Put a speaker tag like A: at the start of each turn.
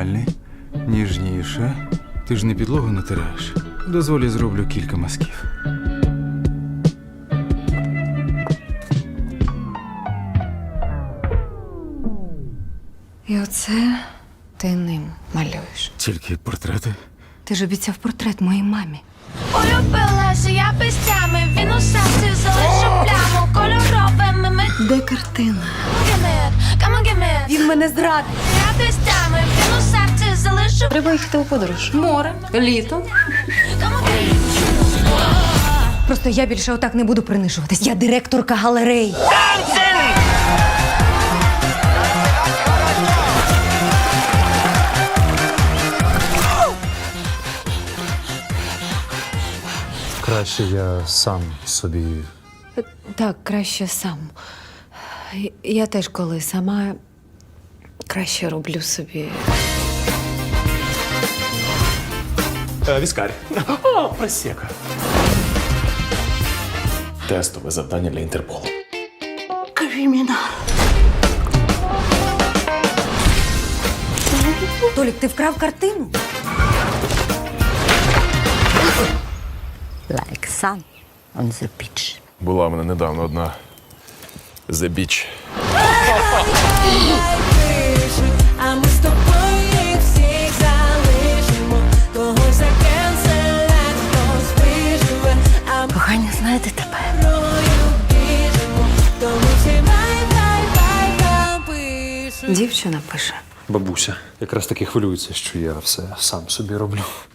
A: нормальний. Ніжніше. Ти ж не підлогу натираєш. Дозволі зроблю кілька мазків.
B: І оце ти ним малюєш.
A: Тільки портрети.
B: Ти ж обіцяв портрет моїй мамі.
C: Полюбилася я пестями, він у серці залишив пляму кольоровими митками.
B: Де картина?
C: Come on, give me.
B: Він мене зрадив.
C: Я пестями, він у серці залишив.
B: Треба їхати у подорож. Море, літо.
C: Come on, give me.
B: Просто я більше отак не буду принижуватись. Я директорка галерей.
D: Краще я сам собі.
B: Так, краще сам. Я теж коли сама краще роблю собі.
E: Віскарь. О, просека. Тестове завдання для Інтерполу.
B: Толік, ти вкрав картину?
F: Like sun on the beach.
E: Була в мене недавно одна The Beach.
G: А ми з тобою їх всіх залишимо. Когось закенселять, хтось виживе. А ми
B: Кохання, знаєте тепер.
G: рою біжимо. Тому всі бай-бай-бай напишуть.
B: Дівчина пише.
D: Бабуся якраз таки хвилюється, що я все сам собі роблю.